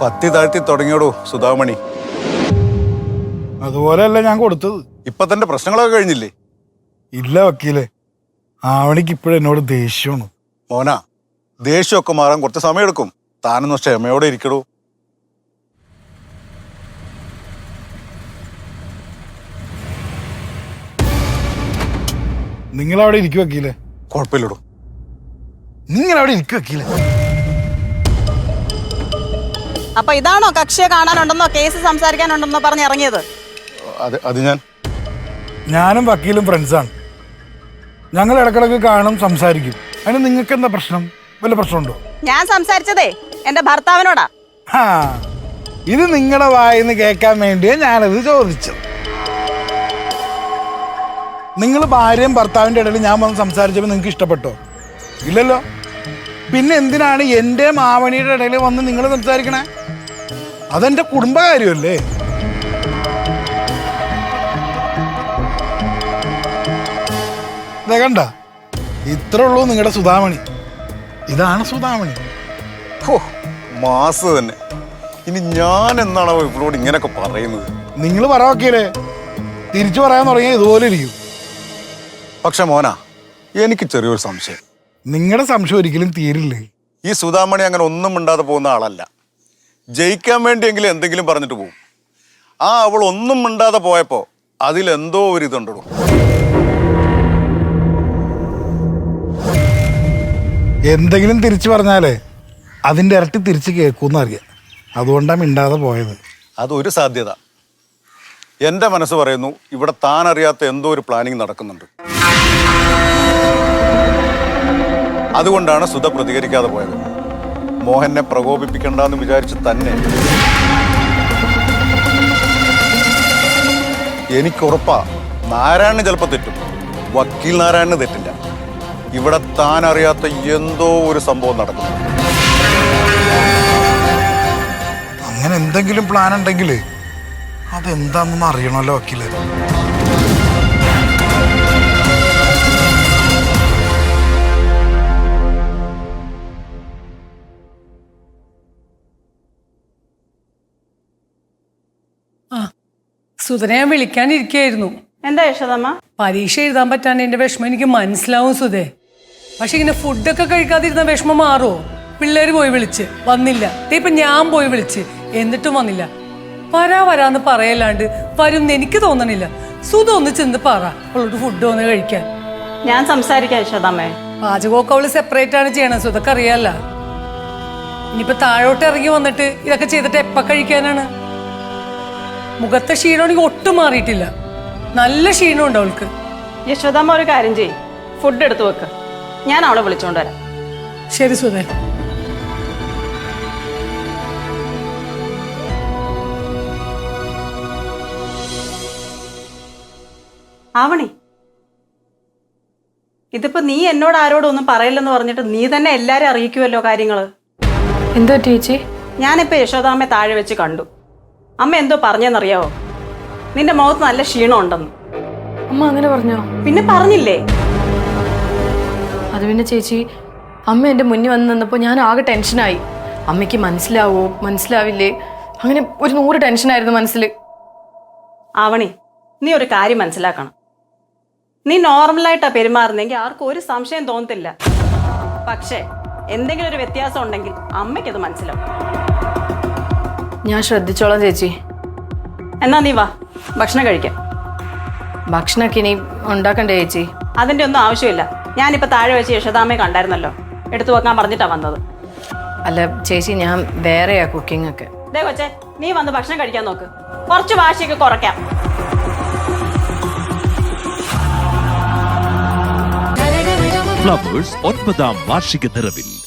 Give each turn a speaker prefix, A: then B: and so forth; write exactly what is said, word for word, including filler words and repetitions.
A: പത്തി താഴ്ത്തി തുടങ്ങിയോടൂ സുധാമണി.
B: അതുപോലെയല്ല ഞാൻ കൊടുത്തത്.
A: ഇപ്പൊ തന്റെ പ്രശ്നങ്ങളൊക്കെ കഴിഞ്ഞില്ലേ?
B: ഇല്ല വക്കീലെ, ആവണിക്ക് ഇപ്പോഴും എന്നോട് ദേഷ്യമാണ്.
A: മോന, ദേഷ്യമൊക്കെ മാറാൻ കുറച്ച് സമയമെടുക്കും. താനൊന്ന് ക്ഷമയോടെ ഇരിക്കടൂ.
B: നിങ്ങളവിടെ ഇരിക്കും വക്കീലെ.
A: കുഴപ്പമില്ലടൂ,
B: നിങ്ങളവിടെ ഇരിക്കും വക്കീലെ.
C: അപ്പൊ ഇതാണോ കക്ഷിയെ കാണാനുണ്ടെന്നോ കേസ് സംസാരിക്കാനുണ്ടെന്നോ പറഞ്ഞ് ഇറങ്ങിയത്?
A: അത് അത് ഞാൻ
B: ഞാനും വക്കീലും ഫ്രണ്ട്സാണ്. ഞങ്ങൾ ഇടക്കിടക്ക് കാണും, സംസാരിക്കും. അതിന് നിങ്ങൾക്ക് എന്താ പ്രശ്നം? വല്ല പ്രശ്നമുണ്ടോ?
C: ഞാൻ സംസാരിച്ചതേ എന്റെ ഭർത്താവിനോടാ.
B: ആ, ഇത് നിങ്ങളുടെ വായിന്ന് കേൾക്കാൻ വേണ്ടിയാ ഞാനത് ചോദിച്ചത്. നിങ്ങൾ ഭാര്യയും ഭർത്താവിൻ്റെ ഇടയിൽ ഞാൻ വന്ന് സംസാരിച്ചപ്പോൾ നിങ്ങൾക്ക് ഇഷ്ടപ്പെട്ടോ? ഇല്ലല്ലോ. പിന്നെ എന്തിനാണ് എൻ്റെ മാവണിയുടെ ഇടയിൽ വന്ന് നിങ്ങൾ സംസാരിക്കണേ? അതെൻ്റെ കുടുംബകാര്യമല്ലേ? കണ്ട, ഇത്ര ഉള്ളൂ നിങ്ങളുടെ സുധാമണി. ഇതാണ് സുധാമണി.
A: ഹോ, മാസ് തന്നെ. ഇനി ഞാൻ എന്നാണോ ഇവളോട് ഇങ്ങനെയൊക്കെ പറയുന്നത്?
B: നിങ്ങൾ പറ വക്കീലേ, തിരിച്ചു പറയാൻ തുടങ്ങിയാൽ ഇതുപോലെ ഇരിക്കും.
A: പക്ഷെ മോന, എനിക്ക് ചെറിയൊരു സംശയം.
B: നിങ്ങളുടെ സംശയം ഒരിക്കലും തീരില്ലേ.
A: ഈ സുധാമണി അങ്ങനെ ഒന്നും മിണ്ടാതെ പോകുന്ന ആളല്ല. ജയിക്കാൻ വേണ്ടിയെങ്കിലും എന്തെങ്കിലും പറഞ്ഞിട്ട് പോകും. ആ അവൾ ഒന്നും മിണ്ടാതെ പോയപ്പോ അതിലെന്തോ ഒരു ഇതുണ്ടോ.
B: എന്തെങ്കിലും തിരിച്ചു പറഞ്ഞാലേ അതിൻ്റെ ഇരട്ടി തിരിച്ച് കേൾക്കുമെന്ന് അറിയാം. അതുകൊണ്ടാണ് മിണ്ടാതെ പോയത്.
A: അതൊരു സാധ്യത. എൻ്റെ മനസ്സ് പറയുന്നു ഇവിടെ താൻ അറിയാത്ത എന്തോ ഒരു പ്ലാനിങ് നടക്കുന്നുണ്ട്. അതുകൊണ്ടാണ് സുധ പ്രതികരിക്കാതെ പോയത്. മോഹനെ പ്രകോപിപ്പിക്കണ്ടെന്ന് വിചാരിച്ച് തന്നെ. എനിക്കുറപ്പാ നാരായണന് ചിലപ്പോൾ തെറ്റും, വക്കീൽ നാരായണന് തെറ്റില്ല. ഇവിടെ താൻ അറിയാത്ത എന്തോ ഒരു സംഭവം നടക്കുന്നു.
B: അങ്ങനെ എന്തെങ്കിലും പ്ലാൻ ഉണ്ടെങ്കിൽ അതെന്താണെന്ന് അറിയണമല്ലോ വക്കീല്.
D: സുധനെ ഞാൻ വിളിക്കാനിരിക്കായിരുന്നു.
C: എന്താ യശോദമ്മ?
D: പരീക്ഷ എഴുതാൻ പറ്റാണ്ട് എന്റെ വിഷമം എനിക്ക് മനസ്സിലാവും സുധേ. പക്ഷെ ഇങ്ങനെ ഫുഡൊക്കെ കഴിക്കാതിരുന്ന വിഷമം മാറുമോ? പിള്ളേര് പോയി വിളിച്ച് വന്നില്ല. ഇപ്പൊ ഞാൻ പോയി വിളിച്ച് എന്നിട്ടും വന്നില്ല. വരാ വരാന്ന് പറയല്ലാണ്ട് വരും എനിക്ക് തോന്നണില്ല. സുധ ഒന്ന് ചെന്ന് പറ അവളോട് ഫുഡ് വന്ന് കഴിക്കാൻ.
C: ഞാൻ സംസാരിക്കാം യശോദമ്മേ.
D: പാചകമൊക്കെ അവള് സെപ്പറേറ്റ് ആണ് ചെയ്യണത്, സുധക്ക് അറിയാല്ല. ഇനിയിപ്പൊ താഴോട്ട് ഇറങ്ങി വന്നിട്ട് ഇതൊക്കെ ചെയ്തിട്ട് എപ്പ കഴിക്കാനാണ്? മുഖത്തെ ക്ഷീണമാണെങ്കിൽ ഒട്ടും മാറിയിട്ടില്ല. നല്ല ക്ഷീണമുണ്ട് അവൾക്ക്.
C: യശോദമ്മ ഒരു കാര്യം ചെയ്യ്, ഫുഡ് എടുത്തു വെക്ക്. ഞാൻ അവളെ വിളിച്ചോണ്ട് വരാം.
D: ശരി സുധേ.
C: ആവണി, ഇതിപ്പോ നീ എന്നോട് ആരോടും ഒന്നും പറയില്ലെന്ന് പറഞ്ഞിട്ട് നീ തന്നെ എല്ലാരും അറിയിക്കുമല്ലോ കാര്യങ്ങള്.
E: എന്തോ ചേച്ചി?
C: ഞാനിപ്പോ യശോദാമ്മയെ താഴെ വെച്ച് കണ്ടു. അമ്മ എന്തോ പറഞ്ഞെന്നറിയാവോ? നിന്റെ മുഖത്ത് നല്ല ക്ഷീണം ഉണ്ടെന്ന്.
E: അമ്മ അങ്ങനെ പറഞ്ഞോ?
C: പിന്നെ പറഞ്ഞില്ലേ?
E: അത് പിന്നെ ചേച്ചി, അമ്മ എൻ്റെ മുന്നിൽ വന്ന് നിന്നപ്പോൾ ഞാൻ ആകെ ടെൻഷനായി. അമ്മയ്ക്ക് മനസ്സിലാവോ മനസ്സിലാവില്ലേ, അങ്ങനെ ഒരു നൂറ് ടെൻഷനായിരുന്നു മനസ്സിൽ.
C: ആവണി, നീ ഒരു കാര്യം മനസ്സിലാക്കണം. നീ നോർമലായിട്ടാ പെരുമാറുന്നെങ്കിൽ ആർക്കും ഒരു സംശയം തോന്നത്തില്ല. പക്ഷേ എന്തെങ്കിലും ഒരു വ്യത്യാസം ഉണ്ടെങ്കിൽ അമ്മയ്ക്കത് മനസ്സിലാവും.
E: ഞാൻ ശ്രദ്ധിച്ചോളാം ചേച്ചി.
C: എന്നാ നീ വാ, ഭക്ഷണം കഴിക്കാം.
E: ഭക്ഷണമൊക്കെ ഇനി ഉണ്ടാക്കണ്ടേ ചേച്ചി?
C: അതിൻ്റെ ഒന്നും ആവശ്യമില്ല. ഞാനിപ്പോൾ താഴെ വെച്ച് യശോദാമ്മയെ കണ്ടായിരുന്നല്ലോ, എടുത്തു വെക്കാൻ പറഞ്ഞിട്ടാ വന്നത്.
E: അല്ല ചേച്ചി, ഞാൻ വേറെയാ കുക്കിംഗ് ഒക്കെ.
C: ദേ കൊച്ചേ, നീ വന്ന് ഭക്ഷണം കഴിക്കാൻ നോക്ക്. കുറച്ച് വാശിയൊക്കെ കുറയ്ക്കാം.
F: ഫ്ലവേഴ്സ് ഒൻപതാം വാർഷിക നിറവിൽ